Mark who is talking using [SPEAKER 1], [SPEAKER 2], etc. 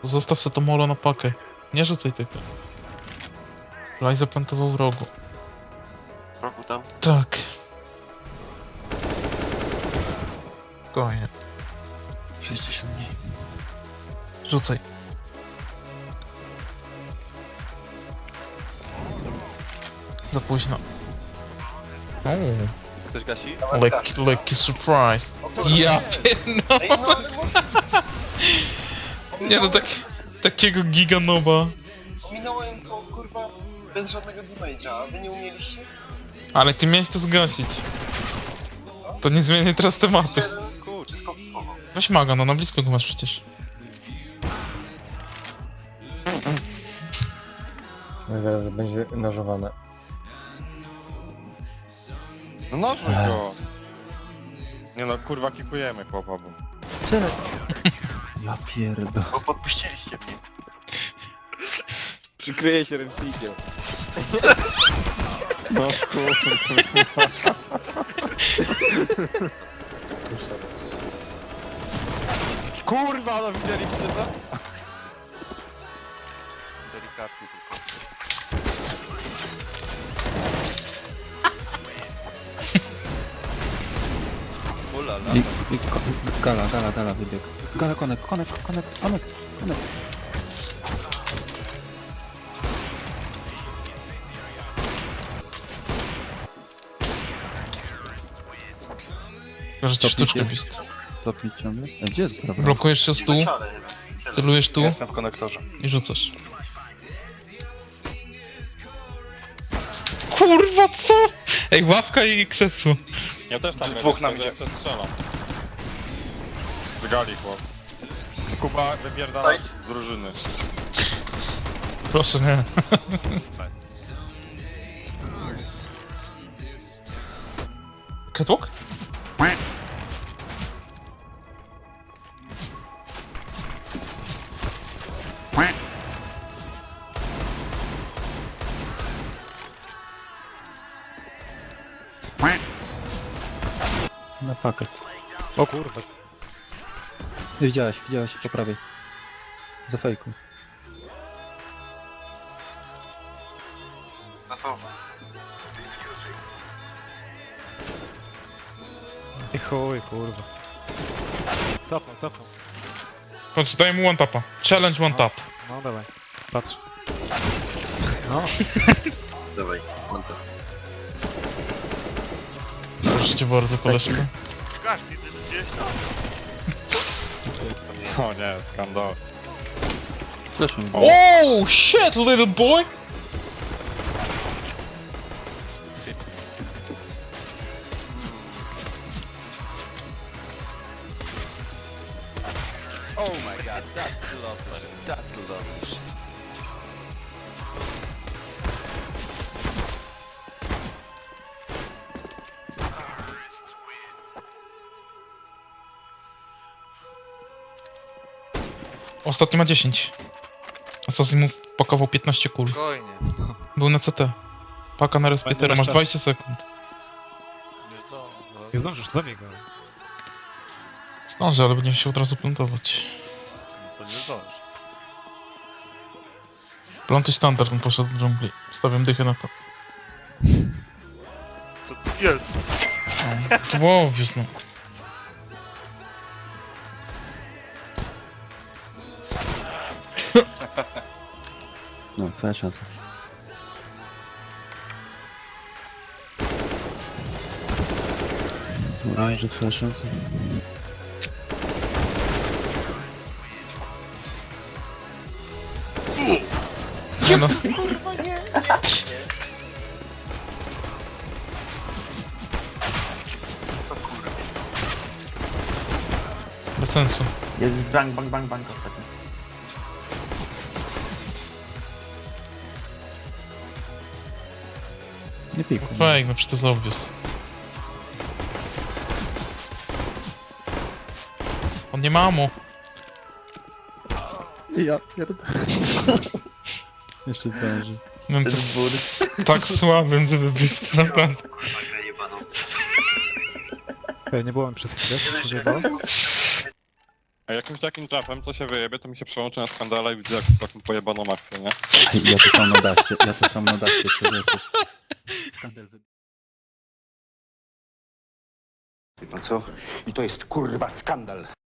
[SPEAKER 1] Zostaw sobie to molo na pakę. Nie rzucaj tego. Laj zaplantował w rogu.
[SPEAKER 2] Rogu tam.
[SPEAKER 1] Tak. Spokojnie.
[SPEAKER 2] 60 mniej.
[SPEAKER 1] Rzucaj. Za późno.
[SPEAKER 3] Ktoś gasi?
[SPEAKER 1] Lekki surprise. Ja pierdolę.
[SPEAKER 2] Ej, no ale może...
[SPEAKER 1] Nie no, takiego giganoba.
[SPEAKER 2] Ominąłem to, kurwa, bez żadnego damage'a, a wy nie umieliście?
[SPEAKER 1] Ale ty miałeś to zgasić. To nie zmieni teraz tematu.
[SPEAKER 2] Jeden, kurczę, skokowo.
[SPEAKER 1] Weź maga, no na blisko go masz przecież.
[SPEAKER 4] No zaraz będzie nożowane.
[SPEAKER 3] No nożuj go! Nie no, kurwa kikujemy chłopa, bo...
[SPEAKER 4] Tyle. Ja pierdol.
[SPEAKER 2] Bo podpuściliście mnie.
[SPEAKER 3] Przykryję się ręcznikiem. No kurwa. Kurwa, no widzieliście to? Delikatnie tylko. Ulala.
[SPEAKER 4] Gala wybieg. Gala, konek.
[SPEAKER 1] Że ci sztuczkę bist.
[SPEAKER 4] Topi ciągle. Gdzie jest dobra?
[SPEAKER 1] Blokujesz się z tyłu,
[SPEAKER 2] Leciane chyba.
[SPEAKER 1] celujesz tu
[SPEAKER 3] Jestem w konektorze.
[SPEAKER 1] i rzucasz. Kurwa, co? Ej, ławka i krzesło.
[SPEAKER 3] Ja też tam
[SPEAKER 2] Dwóch nam idzie.
[SPEAKER 3] jeszcze strzelam. Wygali chłop. Kuba wypierdala
[SPEAKER 2] Daj.
[SPEAKER 3] z drużyny.
[SPEAKER 1] Proszę, nie. Catwalk?
[SPEAKER 4] Na pakę.
[SPEAKER 3] O kurwa.
[SPEAKER 4] Widziałeś po prawej. Za fejką.
[SPEAKER 2] Gotowe.
[SPEAKER 5] I chuj, kurwa. Cofnął.
[SPEAKER 1] Patrz, daj mu one tapa. Challenge one tap.
[SPEAKER 5] No dawaj, patrz. No,
[SPEAKER 2] Dawaj, mam to.
[SPEAKER 1] Proszę cię bardzo, koleżko.
[SPEAKER 3] O nie, skandal.
[SPEAKER 4] Zresztą.
[SPEAKER 1] Oh shit, little boy!
[SPEAKER 3] Oh my god, that's lovely. That's lovely.
[SPEAKER 1] Ostatni ma 10. Assassin mu pakował 15 kul.
[SPEAKER 3] Spokojnie.
[SPEAKER 1] Był na CT. Paka na respiratora, masz 20 sekund.
[SPEAKER 5] nie zdążysz, zabij go.
[SPEAKER 1] Zdążę, ale będziemy się od razu plantować.
[SPEAKER 3] To nie zdążysz.
[SPEAKER 1] Plantuj standard, on poszedł do dżungli. Stawiam dychę na to.
[SPEAKER 2] Co tu jest?
[SPEAKER 1] To było obvious, no.
[SPEAKER 4] No, twoja szansa. Słuchaj, że twoja szansa.
[SPEAKER 1] Nie no. Bez sensu.
[SPEAKER 2] Jest bang ostatnio.
[SPEAKER 4] Nie pikuj.
[SPEAKER 1] Fake, no przecież to jest obvious. On nie ma mu.
[SPEAKER 4] Ja pierdolę. Jeszcze zdąży.
[SPEAKER 1] No to jest tak słabym, żeby być naprawdę.
[SPEAKER 5] Nie byłem przez chwilę, co się dzieje?
[SPEAKER 3] A jakimś takim trafem, co się wyjebie, to mi się przełączy na skandala i widzę jakąś taką pojebaną akcję, nie?
[SPEAKER 4] Ja to sam na daście, człowieku. Skandal
[SPEAKER 6] Wie pan co? I to jest kurwa skandal.